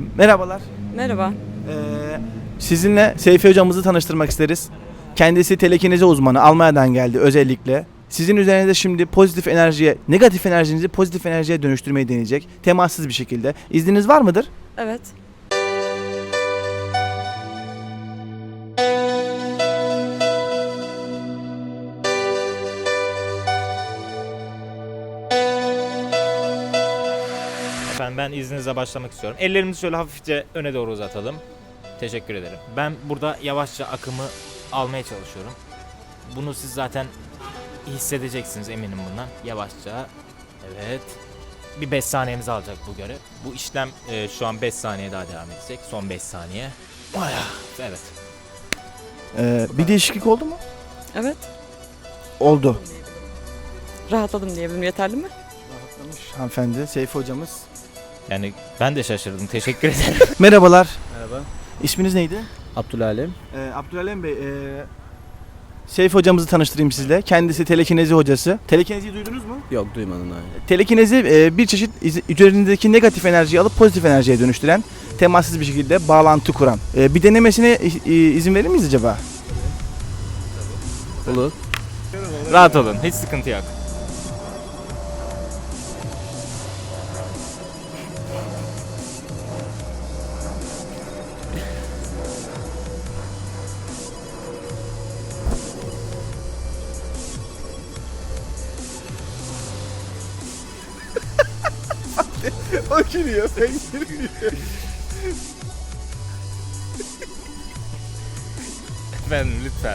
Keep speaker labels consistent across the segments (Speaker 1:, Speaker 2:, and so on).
Speaker 1: Merhabalar.
Speaker 2: Merhaba.
Speaker 1: Sizinle Seyfi hocamızı tanıştırmak isteriz. Kendisi telekinezi uzmanı. Almanya'dan geldi özellikle. Sizin üzerinizde şimdi pozitif enerjiye, negatif enerjinizi pozitif enerjiye dönüştürmeyi deneyecek. Temassız bir şekilde. İzniniz var mıdır?
Speaker 2: Evet.
Speaker 3: Efendim ben izninizle başlamak istiyorum. Ellerimizi şöyle hafifçe öne doğru uzatalım. Teşekkür ederim. Ben burada yavaşça akımı almaya çalışıyorum. Bunu siz zaten hissedeceksiniz, eminim bundan. Yavaşça. Evet. Bir 5 saniyemizi alacak bu görev. Bu işlem şu an 5 saniye daha devam edecek. Son 5 saniye. Evet.
Speaker 1: Bir değişiklik oldu mu?
Speaker 2: Evet.
Speaker 1: Oldu.
Speaker 2: Rahatladım diyebilirim. Yeterli mi?
Speaker 1: Rahatlamış hanımefendi. Seyfi hocamız.
Speaker 3: Yani ben de şaşırdım. Teşekkür ederim.
Speaker 1: Merhabalar.
Speaker 4: Merhaba.
Speaker 1: İsminiz neydi?
Speaker 4: Abdülalem.
Speaker 1: Abdülalem Bey. Seyfi hocamızı tanıştırayım sizle. Kendisi telekinezi hocası. Telekineziyi duydunuz mu?
Speaker 4: Yok duymadım daha.
Speaker 1: Telekinezi bir çeşit üzerindeki negatif enerjiyi alıp pozitif enerjiye dönüştüren, temassız bir şekilde bağlantı kuran. Bir denemesine izin verir miyiz acaba?
Speaker 4: Olur.
Speaker 3: Rahat olun. Hiç sıkıntı yok.
Speaker 1: O gülüyor, sen gülüyor.
Speaker 3: Efendim lütfen.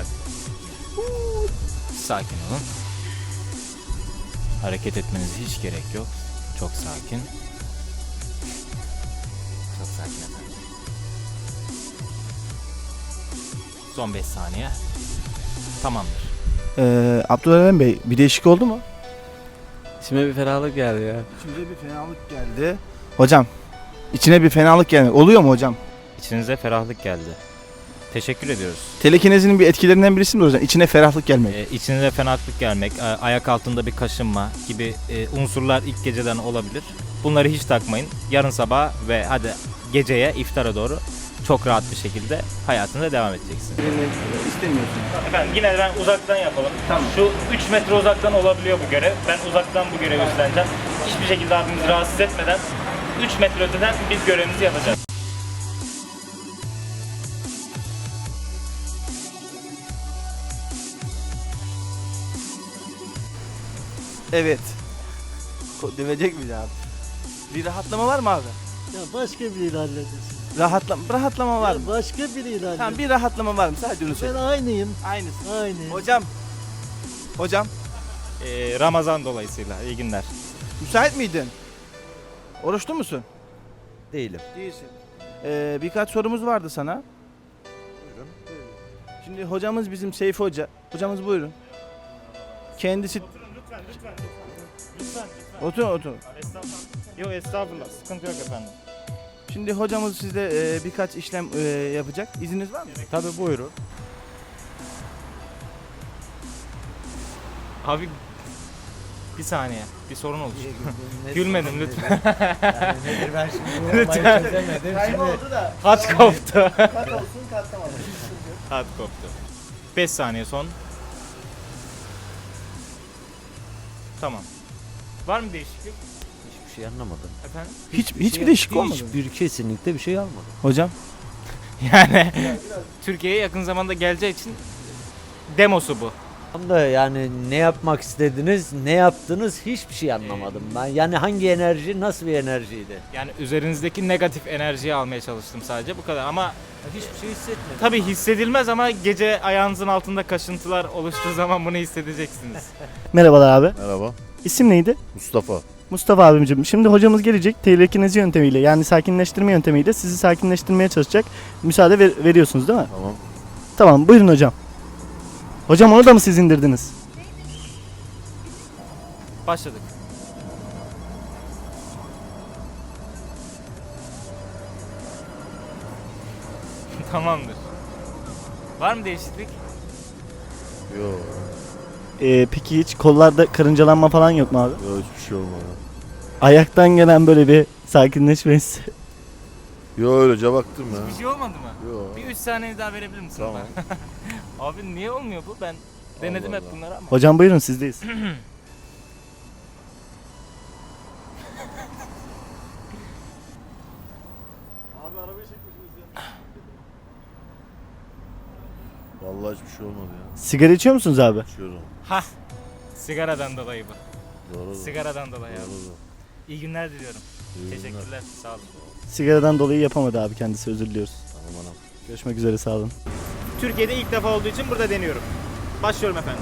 Speaker 3: Sakin olun. Hareket etmenize hiç gerek yok. Çok sakin. Çok sakin efendim. Son 5 saniye. Tamamdır.
Speaker 1: Abdülalem Bey, bir değişik oldu mu?
Speaker 4: İçime bir ferahlık geldi ya.
Speaker 1: İçimize bir fenalık geldi. Hocam, içine bir fenalık gelmek oluyor mu hocam?
Speaker 3: İçinize ferahlık geldi. Teşekkür ediyoruz.
Speaker 1: Telekinezinin bir etkilerinden birisi mi hocam? İçine ferahlık gelmek.
Speaker 3: İçinize ferahlık gelmek, ayak altında bir kaşınma gibi unsurlar ilk geceden olabilir. Bunları hiç takmayın. Yarın sabah ve hadi geceye, iftara doğru çok rahat bir şekilde hayatına devam edeceksin.
Speaker 1: İstemiyorsun.
Speaker 3: Efendim yine ben uzaktan yapalım.
Speaker 1: Tamam.
Speaker 3: Şu 3 metre uzaktan olabiliyor bu görev. Ben uzaktan bu görevi üstleneceğim. Hiçbir şekilde abimizi rahatsız etmeden 3 metre öteden biz görevimizi yapacağız.
Speaker 1: Evet. Dövecek miyiz abi? Bir rahatlama var mı abi?
Speaker 5: Ya başka biriyle halledilsin.
Speaker 1: Rahatlama var
Speaker 5: Ya
Speaker 1: mı?
Speaker 5: başka biriyle halledilsin.
Speaker 1: Tamam, bir rahatlama var mı? Sadece onu
Speaker 5: Ben
Speaker 1: söyle.
Speaker 5: aynıyım.
Speaker 1: Aynısı.
Speaker 5: Aynıyım.
Speaker 1: Hocam,
Speaker 3: Ramazan dolayısıyla iyi günler.
Speaker 1: müsait miydin? Oruçlu musun?
Speaker 4: Değilim.
Speaker 1: Değilsin. Birkaç sorumuz vardı sana. Buyurun. Şimdi hocamız bizim Seyfi Hoca. Hocamız buyurun. Kendisi...
Speaker 3: Lütfen.
Speaker 1: Oturun.
Speaker 3: Yok estağfurullah, sıkıntı yok efendim.
Speaker 1: Şimdi hocamız sizde birkaç işlem yapacak. İzniniz var mı?
Speaker 4: Tabii buyurun.
Speaker 3: Abi bir saniye, bir sorun oldu. Gülmedim lütfen.
Speaker 4: Nedir ben şimdi
Speaker 3: Lütfen.
Speaker 4: çözemedim.
Speaker 1: Kayboldu da.
Speaker 3: Hat koptu.
Speaker 1: Kat olsun, katlamadım.
Speaker 3: Hat koptu. 5 saniye son. Tamam. Var mı değişiklik?
Speaker 4: Hiçbir şey anlamadım.
Speaker 3: Efendim?
Speaker 1: Hiçbir değişiklik olmadı mı?
Speaker 4: Kesinlikle bir şey almadım.
Speaker 1: Hocam.
Speaker 3: Yani Türkiye'ye yakın zamanda geleceği için demosu bu.
Speaker 6: Tam da yani ne yapmak istediniz, ne yaptınız hiçbir şey anlamadım ben. Yani hangi enerji, nasıl bir enerjiydi?
Speaker 3: Yani üzerinizdeki negatif enerjiyi almaya çalıştım sadece, bu kadar. Ama
Speaker 6: Hiçbir şey hissetmedim.
Speaker 3: tabii hissedilmez, ama gece ayağınızın altında kaşıntılar oluştuğu zaman bunu hissedeceksiniz.
Speaker 7: Merhabalar abi.
Speaker 8: Merhaba.
Speaker 7: İsim neydi?
Speaker 8: Mustafa.
Speaker 7: Mustafa abimciğim. Şimdi hocamız gelecek telekinezi yöntemiyle yani sakinleştirme yöntemiyle sizi sakinleştirmeye çalışacak. Müsaade veriyorsunuz değil mi?
Speaker 8: Tamam.
Speaker 7: Tamam, buyurun hocam. Hocam onu da mı siz indirdiniz?
Speaker 3: Başladık. Tamamdır. Var mı değişiklik?
Speaker 8: Yok.
Speaker 7: Peki hiç kollarda karıncalanma falan yok mu abi?
Speaker 8: Yok hiçbir şey olmadı.
Speaker 7: Ayaktan gelen böyle bir sakinleşme hissi.
Speaker 8: Yo öylece baktım ya.
Speaker 3: Bir şey olmadı mı?
Speaker 8: Yo.
Speaker 3: Bir 3 saniye daha verebilir misin
Speaker 8: Tamam.
Speaker 3: bana? Abi niye olmuyor bu? Ben denedim
Speaker 8: Allah
Speaker 3: hep
Speaker 8: Allah.
Speaker 3: bunları ama.
Speaker 7: Hocam buyurun sizdeyiz.
Speaker 8: Vallahi hiçbir şey olmadı ya.
Speaker 7: Sigara içiyor musunuz abi?
Speaker 8: İçiyorum.
Speaker 3: Hah. Sigaradan dolayı bu.
Speaker 8: Doğru.
Speaker 3: Sigaradan dolayı abi.
Speaker 8: Doğru.
Speaker 3: İyi günler diliyorum.
Speaker 8: İyi günler.
Speaker 3: Teşekkürler. Sağ olun.
Speaker 7: Sigaradan dolayı yapamadı abi kendisi, özür diliyoruz.
Speaker 8: Tamam anam.
Speaker 7: Görüşmek üzere, sağ olun.
Speaker 3: Türkiye'de ilk defa olduğu için burada deniyorum. Başlıyorum efendim.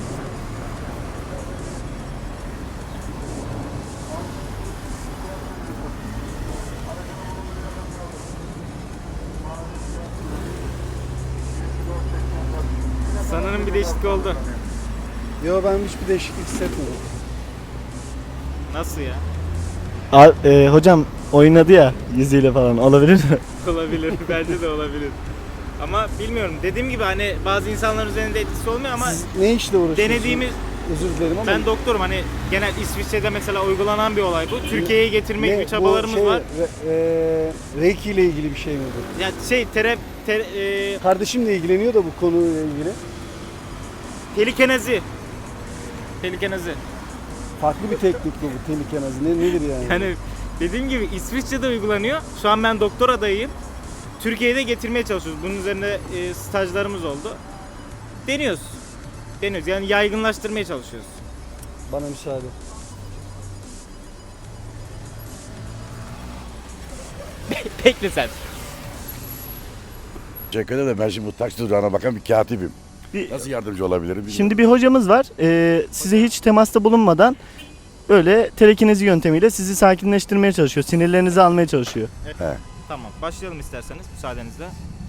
Speaker 3: Sanırım bir değişiklik oldu.
Speaker 5: Yo ben hiçbir değişiklik hissetmedim.
Speaker 3: Nasıl ya?
Speaker 7: Hocam oynadı ya yüzüyle falan, olabilir mi?
Speaker 3: Olabilir. Bence de olabilir. Ama bilmiyorum. Dediğim gibi hani bazı insanların üzerinde etkisi olmuyor ama
Speaker 5: Siz ne işle uğraşıyorsunuz?
Speaker 3: denediğimiz
Speaker 5: Özür dilerim ama.
Speaker 3: ben doktorum hani genel İsviçre'de mesela uygulanan bir olay bu. Türkiye'ye getirmek
Speaker 5: Ne,
Speaker 3: gibi çabalarımız
Speaker 5: bu
Speaker 3: var.
Speaker 5: Reiki ile ilgili bir şey mi bu?
Speaker 3: Yani
Speaker 5: Kardeşim de ilgileniyor da bu konuyla ilgili.
Speaker 3: pelikenezi. Pelikenezi.
Speaker 5: Farklı bir teknik bu tehlikenazı. Nedir yani?
Speaker 3: Yani dediğim gibi İsviçre'de uygulanıyor. Şu an ben doktor adayıyım. Türkiye'de getirmeye çalışıyoruz. Bunun üzerine stajlarımız oldu. Deniyoruz. Deniyoruz. Yani yaygınlaştırmaya çalışıyoruz.
Speaker 5: Bana müsaade.
Speaker 3: Bekle sen.
Speaker 9: Teşekkür ederim. Ben şimdi bu taksi durağına bakan bir katibim.
Speaker 7: Bir-
Speaker 9: Nasıl yardımcı olabilirim bilmiyorum.
Speaker 7: Şimdi bir hocamız var. Size hiç temasta bulunmadan böyle telekinezi yöntemiyle sizi sakinleştirmeye çalışıyor. Sinirlerinizi almaya çalışıyor.
Speaker 3: Tamam. Başlayalım isterseniz müsaadenizle.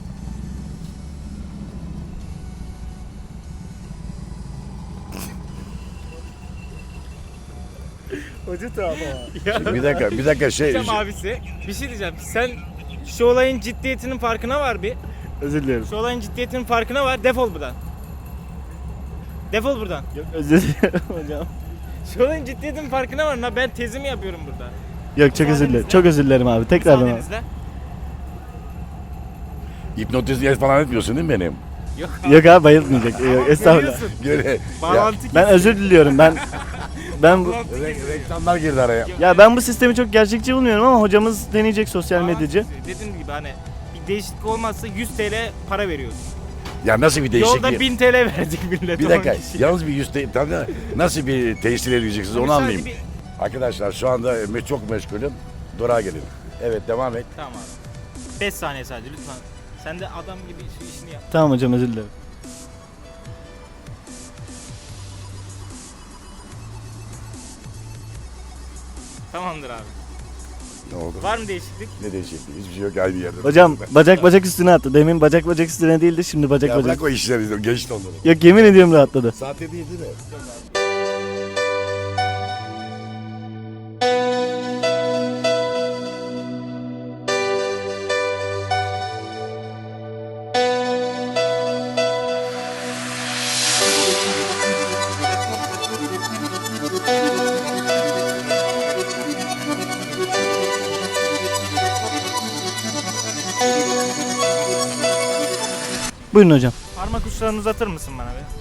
Speaker 5: Hoca tamam.
Speaker 9: Şimdi bir dakika şey.
Speaker 3: Diyeceğim abisi. Bir şey diyeceğim. Sen şu olayın ciddiyetinin farkına var bir.
Speaker 7: Özür dilerim.
Speaker 3: Şu olayın ciddiyetinin farkına var. Defol buradan. Defol buradan.
Speaker 7: Yok, özür dilerim hocam.
Speaker 3: Şu olayın ciddiyetinin farkına var. Ben tezimi yapıyorum burada.
Speaker 7: Yok, çok özür dilerim. Çok özür dilerim abi. Tekrardan abi.
Speaker 3: Müsaadenizle.
Speaker 9: Hipnotize falan etmiyorsun değil mi benim?
Speaker 3: Yok.
Speaker 7: Yok abi, bayılmayacak. Yok, estağfurullah.
Speaker 3: Görüyorsun.
Speaker 9: Göre,
Speaker 3: Bağlantı
Speaker 7: Ben özür diliyorum. Ben bu
Speaker 9: reklamlar girdi araya.
Speaker 7: ya ben bu sistemi çok gerçekçi bulmuyorum ama hocamız deneyecek, sosyal medyacı.
Speaker 3: Dediğim gibi hani bir değişiklik olmazsa 100 TL para veriyoruz.
Speaker 9: Ya nasıl bir değişiklik?
Speaker 3: Yolda 1000 TL verecek millet.
Speaker 9: Bir dakika.
Speaker 3: 10 kişi.
Speaker 9: Yalnız bir nasıl bir tesir edeceksiniz onu
Speaker 3: Sadece
Speaker 9: anlayayım. Arkadaşlar şu anda çok meşgulüm. Durağa gelin. Evet devam et.
Speaker 3: Tamam abi. 5 saniye sadece lütfen. Sen de adam gibi şu işini yap.
Speaker 7: Tamam hocam, özür dilerim.
Speaker 3: Tamamdır abi.
Speaker 9: Ne oldu?
Speaker 3: Var mı değişiklik?
Speaker 9: Ne değişikliği? Hiçbir şey yok aynı yerde.
Speaker 7: Hocam bacak üstüne attı. Demin bacak üstüne değildi, şimdi
Speaker 9: Ya
Speaker 7: bacak.
Speaker 9: bırak o işleri. Geçti onları.
Speaker 7: Yok, yemin ediyorum rahatladı.
Speaker 9: Sahte değil mi?
Speaker 7: Buyurun hocam.
Speaker 3: Parmak uçlarını uzatır mısın bana be?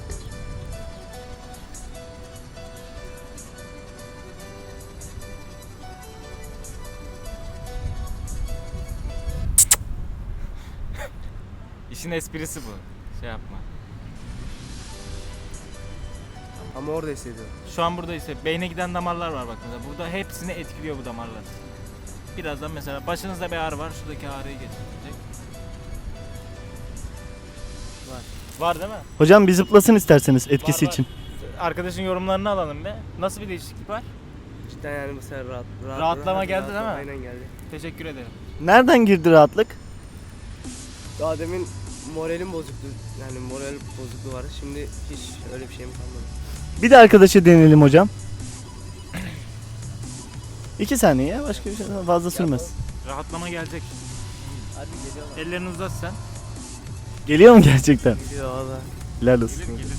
Speaker 3: İşin esprisi bu. Şey yapma.
Speaker 5: Ama orada hissediyorum.
Speaker 3: Şu an burada ise beyne giden damarlar var bak mesela. Burada hepsini etkiliyor bu damarlar. Birazdan mesela başınızda bir ağrı var. Şuradaki ağrıyı getirecek. Var değil mi?
Speaker 7: Hocam bir zıplasın isterseniz etkisi
Speaker 3: Var, var.
Speaker 7: için.
Speaker 3: Arkadaşın yorumlarını alalım be. Nasıl bir değişiklik var?
Speaker 5: Cidden yani mesela
Speaker 3: Rahatlama geldi değil mi?
Speaker 5: Aynen geldi.
Speaker 3: Teşekkür ederim.
Speaker 7: Nereden girdi rahatlık?
Speaker 5: Daha demin moralim bozuktu. Yani moral bozukluğu vardı. Şimdi hiç öyle bir şeyim kalmadı.
Speaker 7: Bir de arkadaşa deneyelim hocam. 2 saniye ya, başka bir şey fazla sürmez.
Speaker 3: Rahatlama gelecek.
Speaker 5: Hadi geliyorlar.
Speaker 3: Ellerini uzat sen.
Speaker 7: Geliyor mu gerçekten?
Speaker 5: Geliyor valla.
Speaker 7: Helal olsun.
Speaker 3: Gelir gelir.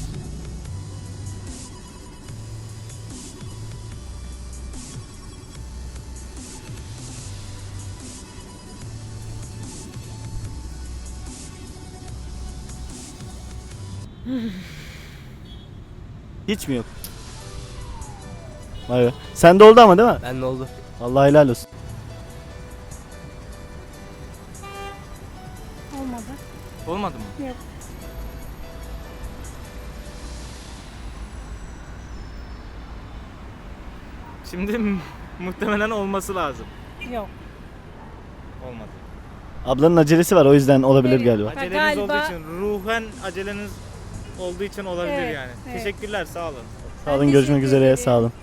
Speaker 7: Hiç mi yok? Vay be. Sende oldu ama değil mi?
Speaker 5: Ben ne oldu?
Speaker 7: Allah helal olsun.
Speaker 10: Olmadı.
Speaker 1: Olmadı mı?
Speaker 10: Yok.
Speaker 3: Şimdi muhtemelen olması lazım.
Speaker 10: Yok.
Speaker 3: Olmadı.
Speaker 7: Ablanın acelesi var o yüzden olabilir
Speaker 10: Evet.
Speaker 7: galiba.
Speaker 3: Aceleniz
Speaker 10: galiba-
Speaker 3: olduğu için, ruhen aceleniz olduğu için olabilir
Speaker 10: Evet,
Speaker 3: yani.
Speaker 10: evet.
Speaker 3: Teşekkürler, sağ olun.
Speaker 7: Sağ olun, görüşmek üzere, sağ olun.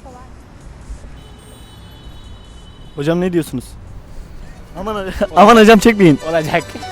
Speaker 7: Hocam ne diyorsunuz? Aman hocam çekmeyin.
Speaker 3: Olacak.